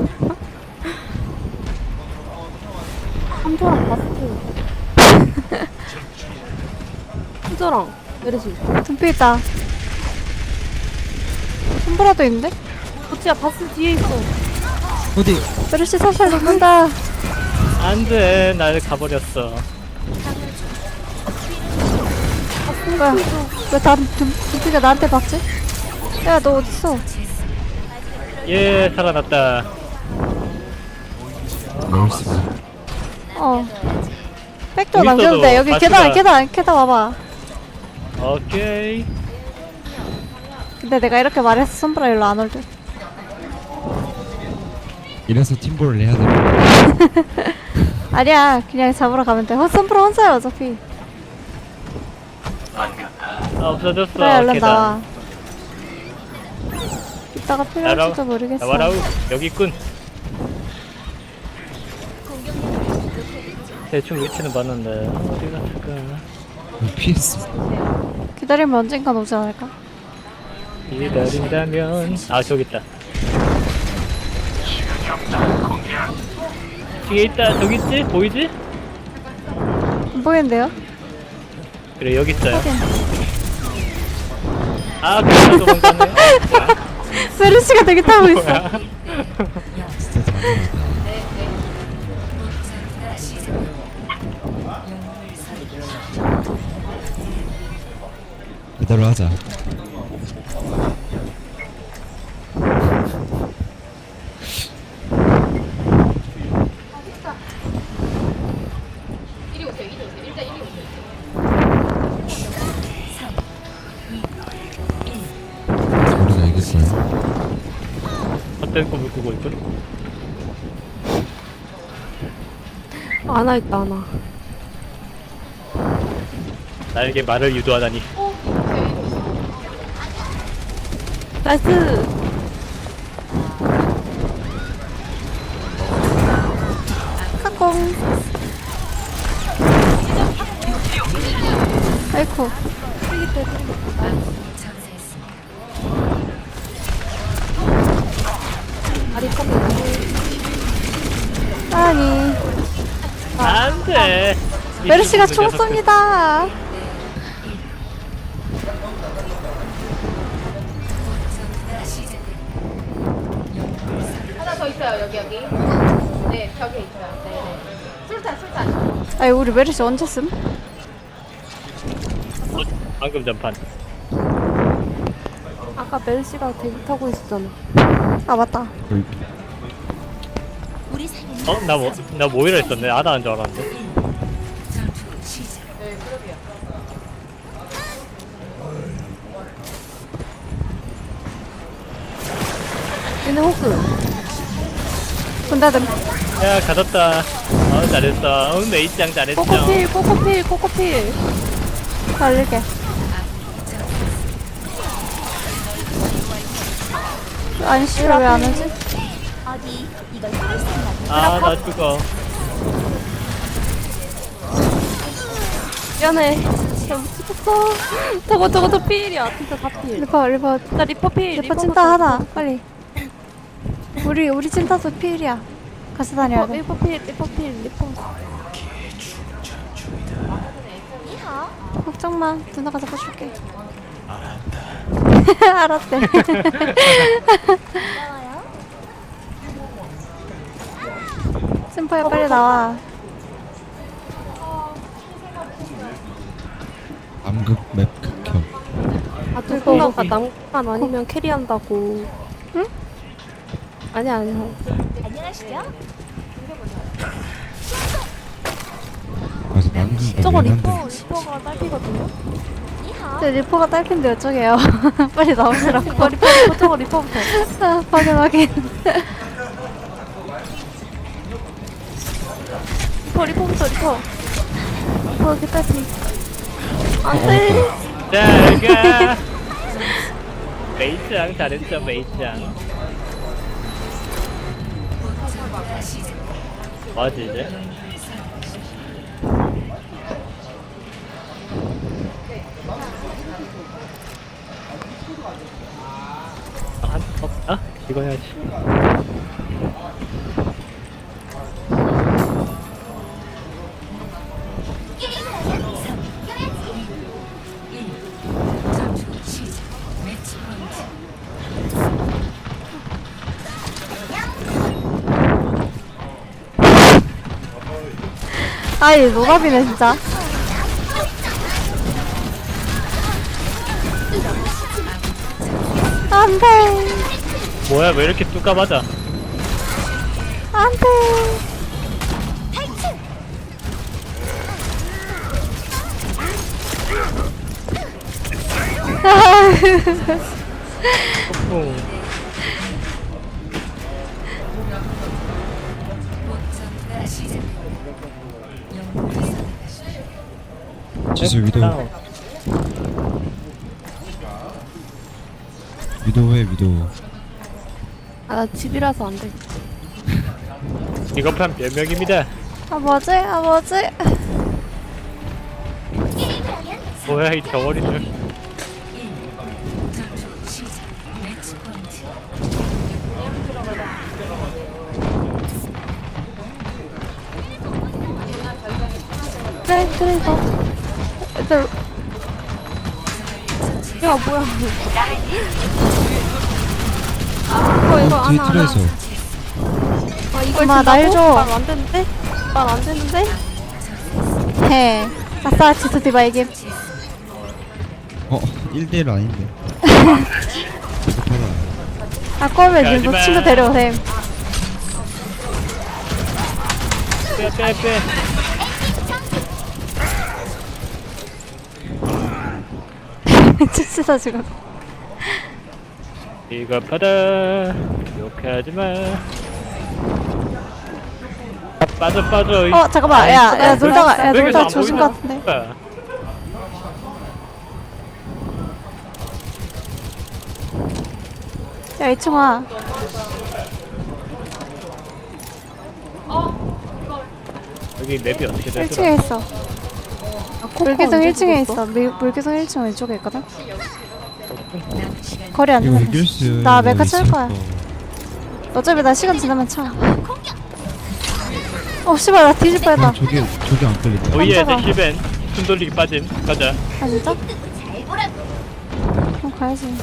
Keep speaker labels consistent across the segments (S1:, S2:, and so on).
S1: 한조랑 바스트. 한조랑 메르시.
S2: 둠피 있다. 손보라도 있는데?
S1: 도치야 바스 뒤에 있어.
S3: 어디?
S2: 메르시 살살 녹는다.
S4: 안돼, 날 가버렸어.
S2: 뭐야? 왜 둠피가 나한테 박지? 야, 너 어딨어?
S4: 예, 살아났다.
S3: 나이스.
S2: 백도
S4: 여기
S2: 남겼는데
S4: 있어도
S2: 여기
S4: 바스가-
S2: 계단 와봐.
S4: 오케이.
S2: 근데 내가 이렇게 말해서 손보라 일로 안 올 듯.
S3: 이래서 팀볼을 해야 돼.
S2: 아니야, 그냥 잡으러 가면 돼. 손보라 혼자야 어차피.
S4: 없어졌어.
S2: 그래, 얼른
S4: 계단.
S2: 나와. 이따가 필요할지도 모르겠어.
S4: 나와라우. 여기 있군. 대충 위치는 봤는데 어디 갔을까?
S3: PS.
S2: 기다리면 언젠간 오지 않을까?
S4: 기다린다면 저기 있다. 뒤에 있다. 저기 있지? 보이지?
S2: 안 보이는데요?
S4: 그래, 여기 있어요.
S2: 확인.
S4: 그래서 도망가네.
S2: 메르시가 되게 타고 있어.
S4: 뭐야?
S3: 진짜 잔인하다. 그대로 하자. 우리가 이겼어요.
S4: 헛된 꿈을 꾸고 있군.
S1: 아나 있다 아나.
S4: 나에게 말을 유도하다니.
S1: 나이스.
S2: 카콩. 아이쿠.
S1: 아리 컴이.
S2: 아니.
S4: 안돼.
S2: 메르시가 총 쏩니다.
S5: 하나 더 있어요, 여기. 네, 벽에 있어요. 네. 술탄.
S2: 아니, 우리 메르시 언제 쓴?
S4: 방금 전판.
S1: 아까 메르시가 대기 타고 있었잖아.
S2: 아, 맞다.
S4: 나 모이라 했었네. 아나인 줄 알았는데.
S1: 얘네 호크.
S2: 군다듬.
S4: 야, 가졌다. 잘했어. 메이짱 잘했죠.
S1: 꼬꼬필.
S2: 달릴게. 아니, 씨발, 왜 안 오지?
S4: 나 죽어.
S1: 미안해. 잘못 찍었어. 저거 필이야. 진짜 다 필.
S2: 리퍼.
S1: 나 리퍼 필.
S2: 리퍼 찐따 하나. 빨리. 우리 찐따도 필이야. 같이 다녀야 돼.
S1: 리퍼 필.
S2: 걱정 마. 누나가 잡아줄게. 알았대. 심포야 빨리 나와.
S3: 암극 맵 극혐.
S1: 누군가가 난간 아니면 캐리한다고.
S2: 응?
S1: 아니야.
S3: 그래서 남극
S1: 저거
S3: 맵
S1: 리퍼가 딸피거든요?
S2: 제 리포가 딸핀데 어쩌게요. 빨리 나오시라고.
S1: 리퍼 저거 리퍼부터.
S2: 확인.
S1: 리퍼부터. 리퍼 개딸피. 안 돼.
S4: 자, 메이짱 잘했죠, 메이짱. 뭐지 이제? 이거 해야지.
S2: 아이 노답이네 진짜. 안돼
S4: 뭐야 왜 이렇게 뚜까 맞아?
S2: 안돼.
S4: 뿡.
S3: 지수 위도
S4: 다운.
S3: 위도해 위도.
S1: 아, 나 집이라서 안 돼.
S4: 비겁한 변명입니다.
S2: 아 뭐지? 아 뭐지?
S4: 뭐야 이 덩어리들.
S2: 그래 그래 이거. 애들
S1: 야, 뭐야. 이거
S3: 뒤에
S1: 안
S3: 틀에서.
S1: 아, 이걸
S2: 엄마, 날 줘.
S1: 말안 되는데? 말 안 되는데?
S2: 해. 아싸 지수 디바 이김.
S3: 1대1 아닌데. 비겁하다.
S2: 아 꼴면 님도
S4: 하지마.
S2: 친구 데려오셈.
S4: 빼빼빼.
S2: 치치다 지금.
S4: 비겁하다. 욕하지마. 빠져.
S2: 어 잠깐만 야 놀다가 야
S4: 왜 이렇게
S2: 놀다
S4: 안
S2: 조심
S4: 보이나?
S2: 같은데. 야 이충아.
S4: 여기 맵이 어떻게 되더라?
S2: 1층에 있어. 물개성 1층에 있어. 물개성 1층 왼쪽에 있거든. 거리 안
S3: 이거
S2: 되면
S3: 이길 수.
S2: 나 메카 칠
S3: 있을
S2: 거야.
S3: 거.
S2: 어차피 나 시간 지나면 차. 씨발 나 뒤질 뻔했다.
S3: 저기 안 끌린다.
S4: 오예 내
S2: 깜짝아.
S4: 힐벤. 숨 돌리기 빠짐. 가자.
S2: 아 진짜? 그럼 가야지.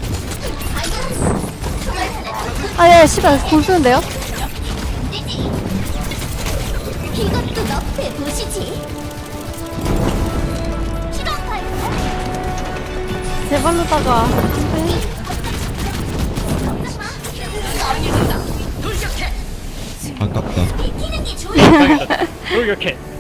S2: 아예 씨발 공 쓰는데요?
S6: 이것도 너프의 도시지.
S1: 제발로다가.
S3: 아깝다.
S6: 뛰는 게 좋아.
S4: 돌격해.